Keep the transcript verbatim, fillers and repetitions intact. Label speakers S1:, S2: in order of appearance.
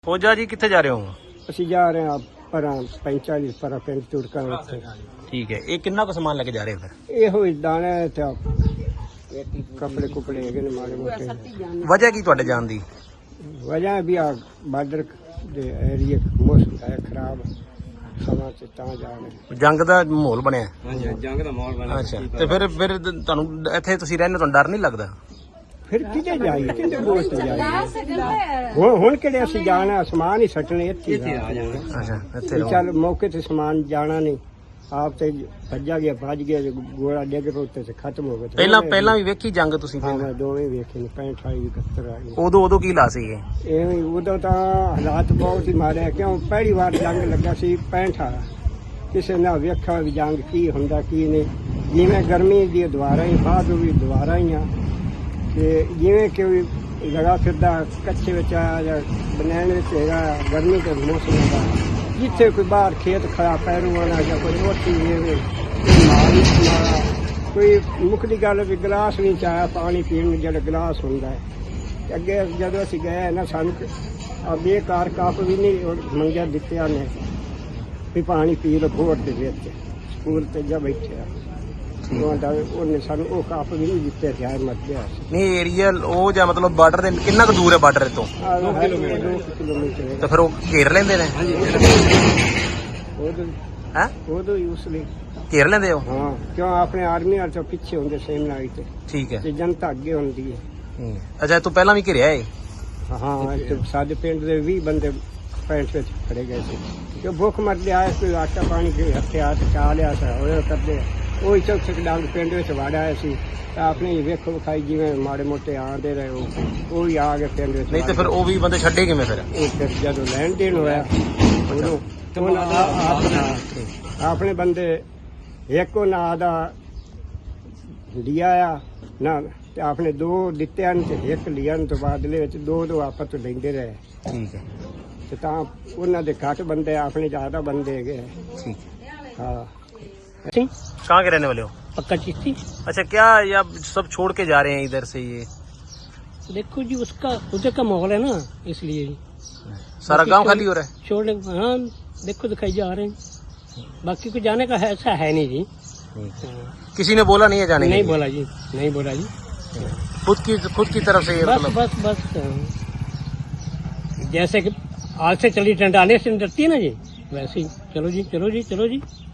S1: ਫੌਜਾ ਜੀ ਕਿੱਥੇ ਜਾ ਰਹੇ ਹੋ?
S2: ਅਸੀਂ ਜਾ ਰਹੇ ਹਾਂ ਪਰਾਂ ਪੈਂਤਾਲੀ ਪਰਾਂ ਪਿੰਡ ਤੁਰਕਾਂ ਉੱਥੇ।
S1: ਠੀਕ ਹੈ, ਇਹ ਕਿੰਨਾ ਕੁ ਸਮਾਨ ਲੈ ਕੇ ਜਾ ਰਹੇ ਹੋ ਫਿਰ?
S2: ਇਹੋ ਹੀ ਦਾਣਾ ਤੇ ਕੱਪੜੇ ਕੁਪੜੇ ਹੈਗੇ ਨੇ ਮਾੜੇ ਮੋਟੇ।
S1: ਵਜ੍ਹਾ ਕੀ ਤੁਹਾਡੇ ਜਾਣ ਦੀ?
S2: ਵਜ੍ਹਾ ਵੀ ਆ ਬਾਰਡਰ ਦੇ ਏਰੀਏ ਮੌਸਮ ਹੈ ਖਰਾਬ, ਸਮਾਂ ਤੇ ਤਾਂ ਜਾ ਰਹੇ।
S1: ਜੰਗ ਦਾ ਮਾਹੌਲ ਬਣਿਆ?
S2: ਹਾਂਜੀ, ਜੰਗ ਦਾ ਮਾਹੌਲ ਬਣਿਆ।
S1: ਅੱਛਾ, ਤੇ ਫਿਰ ਫਿਰ ਤੁਹਾਨੂੰ ਇੱਥੇ ਤੁਸੀਂ ਰਹਿੰਦੇ ਤੁਹਾਨੂੰ ਡਰ ਨਹੀਂ ਲੱਗਦਾ?
S2: ਫਿਰ ਕਿਤੇ ਜਾਈਏ, ਕਿਤੇ ਬੋਲ ਤੇ ਜਾਈਏ। ਹੁਣ ਹੁਣ ਕਿਹੜੇ ਅਸੀਂ ਜਾਣਾ, ਸਮਾਨ ਹੀ ਸੱਟਣੇ ਇੱਥੇ ਆ ਜਾਣਾ।
S1: ਅੱਛਾ, ਇੱਥੇ
S2: ਵੀ
S1: ਰਹੋ।
S2: ਚੱਲ ਮੌਕੇ ਤੇ ਸਮਾਨ ਜਾਣਾ ਨਹੀਂ, ਆਪ ਤੇ ਭੱਜਾ ਗਿਆ ਭੱਜ ਗਿਆ, ਗੋਲਾ ਡਿੱਗ ਪਿਆ ਉੱਤੇ ਤੇ ਖਤਮ ਹੋ ਗਿਆ।
S1: ਪਹਿਲਾਂ ਪਹਿਲਾਂ ਵੀ ਵੇਖੀ ਜੰਗ ਤੁਸੀਂ?
S2: ਹਾਂ, ਮੈਂ ਦੋਵੇਂ ਵੇਖੇ ਨੇ, ਪੈਂਹਠ ਅਠਾਈ ਇਕਹੱਤਰ ਆ ਗਏ।
S1: ਉਦੋਂ ਉਦੋਂ ਕੀ ਲਾ ਸੀਗੇ?
S2: ਇਹ ਉਦੋਂ ਤਾਂ ਹਾਲਾਤ ਬਹੁਤ ਹੀ ਮਾੜੇ ਆ, ਕਿਉਂ ਪਹਿਲੀ ਵਾਰ ਜੰਗ ਲੱਗਾ ਸੀ ਪੈਂਹਠ ਵਾਲਾ। ਕਿਸੇ ਨੇ ਵੇਖਿਆ ਵੀ ਜੰਗ ਕੀ ਹੁੰਦਾ ਕੀ ਨਹੀਂ। ਜਿਵੇਂ ਗਰਮੀ ਦੀ ਦੁਆਰਾ ਹੀ ਬਾਅਦ ਵੀ ਦੁਆਰਾ ਹੀ ਆ, ਤੇ ਜਿਵੇਂ ਕਿ ਵੀ ਲਗਾ ਫਿਰਦਾ ਕੱਚੇ ਵਿੱਚ ਆ ਜਾਂ ਬਨੈਣ ਵਿੱਚ ਹੈਗਾ ਗਰਮੀ ਦੇ ਮੌਸਮ ਦਾ। ਜਿੱਥੇ ਕੋਈ ਬਾਹਰ ਖੇਤ ਖੜਾ ਪੈਰੂ ਆਣਾ ਜਾਂ ਕੋਈ ਰੋਟੀ ਵੇਵੇ, ਕੋਈ ਮਾਲ ਨਹੀਂ ਮਾਰਾ, ਕੋਈ ਮੁੱਖ ਦੀ ਗੱਲ ਵੀ ਗਲਾਸ ਨਹੀਂ ਚਾਹਿਆ ਪਾਣੀ ਪੀਣ ਨੂੰ ਜਿਹੜਾ ਗਲਾਸ ਹੁੰਦਾ ਹੈ। ਅੱਗੇ ਜਦੋਂ ਅਸੀਂ ਗਏ ਨਾ ਸਾਨੂੰ ਆ ਬੇਕਾਰ ਕੱਪ ਵੀ ਨਹੀਂ ਮੰਗਿਆ ਦਿੱਤਿਆ ਨੇ ਵੀ ਪਾਣੀ ਪੀ ਲਓ ਘੋਟ ਦੇ ਵਿੱਚ, ਸਕੂਲ ਤੇ ਜਾ ਬੈਠਿਆ ਉਹਨੇ ਸਾਨੂੰ ਉਹ ਕੱਪ ਵੀ ਨਹੀਂ ਦਿੱਤੇ ਸੀ, ਆਏ ਮਰ ਗਿਆ ਸੀ।
S1: ਨਹੀਂ ਏਰੀਆ ਉਹ ਜਾਂ ਮਤਲਬ ਬਾਰਡਰ ਦੇ ਕਿੰਨਾ ਕੁ ਦੂਰ ਹੈ ਬਾਰਡਰ ਤੋਂ?
S2: ਦੋ ਕਿਲੋਮੀਟਰ।
S1: ਤੇ ਫਿਰ ਉਹ ਘੇਰ ਲੈਂਦੇ ਨੇ?
S2: ਉਦੋਂ
S1: ਹੈ
S2: ਉਦੋਂ ਹੀ ਉਸ ਲਈ
S1: ਘੇਰ ਲੈਂਦੇ ਹੋ?
S2: ਹਾਂ, ਕਿਉਂ ਆਪਣੇ ਆਰਮੀ ਵਾਲੇ ਤੋਂ ਪਿੱਛੇ ਹੁੰਦੇ ਸੇਮਨਾਈ ਤੇ,
S1: ਠੀਕ ਹੈ।
S2: ਤੇ ਜਨਤਾ ਅੱਗੇ ਹੁੰਦੀ ਹੈ।
S1: ਹੂੰ। ਅੱਛਾ, ਤੂੰ ਪਹਿਲਾਂ ਵੀ ਘਿਰਿਆ ਏ?
S2: ਹਾਂ, ਤੇ ਸਾਡੇ ਪਿੰਡ ਦੇ ਵੀਹ ਬੰਦੇ ਪੈਂਟ ਵਿੱਚ ਖੜੇ ਗਏ ਸੀ, ਕਿ ਭੁੱਖ ਮਰਦੇ ਆਏ, ਕੋਈ ਆਟਾ ਪਾਣੀ ਕੇ ਹੱਥਿਆ ਤੇ ਚਾ ਲਿਆ ਸੀ ਉਹ ਕਰਦੇ। ਉਹ ਚੌਥੇ ਡਾਂਗ ਪਿੰਡ ਵਿੱਚ ਵੜ ਆਏ ਸੀ ਤਾਂ ਆਪਣੇ ਵੇਖੋ ਵਿਖਾਈ ਜਿਵੇਂ ਮਾੜੇ ਮੋਟੇ ਆਉਂਦੇ ਰਹੇ ਉਹ ਉਹ ਵੀ ਆ ਗਏ ਪਿੰਡ ਵਿੱਚ।
S1: ਨਹੀਂ ਤੇ ਫਿਰ ਉਹ ਵੀ ਬੰਦੇ ਛੱਡੇ ਕਿਵੇਂ ਫਿਰ?
S2: ਉਹ ਫਿਰ ਜਦੋਂ ਲੈਣ ਦੇਣ ਹੋਇਆ ਉਦੋਂ ਉਹਨਾਂ ਆਪਣਾ ਆਪਣੇ ਬੰਦੇ ਇੱਕ ਉਹ ਨਾਂ ਦਾ ਲਿਆ ਆ ਨਾ, ਤੇ ਆਪਣੇ ਦੋ ਦਿੱਤੇ ਹਨ ਤੇ ਇੱਕ ਲਿਆ ਤੋਂ ਬਾਅਦ ਵਿੱਚ ਦੋ ਦੋ ਆਪਸ ਤੋਂ ਲੈਂਦੇ ਰਹੇ।
S1: ਠੀਕ ਹੈ,
S2: ਤੇ ਤਾਂ ਉਹਨਾਂ ਦੇ ਘੱਟ ਬੰਦੇ, ਆਪਣੇ ज्यादा बंदे है।
S1: ठीक है।
S2: हाँ,
S1: कहाँ के रहने वाले हो?
S2: पक्का चिश्ती।
S1: अच्छा, क्या या सब छोड़ के जा रहे हैं इधर से? ये
S2: देखो जी, उसका उधर का माहौल है ना, इसलिए
S1: सारा गांव खाली हो रहा है?
S2: छोड़ने, हाँ देखो दिखाई जा रहे हैं, बाकी को जाने का है, ऐसा है नहीं जी। हाँ।
S1: किसी ने बोला नहीं है जाने?
S2: नहीं बोला जी, नहीं बोला जी।
S1: खुद की खुद की तरफ से ये
S2: बस
S1: मतलब?
S2: बस बस जैसे कि आज से चली टंडाने से डरती है ना जी, वैसे ही चलो जी चलो जी चलो जी।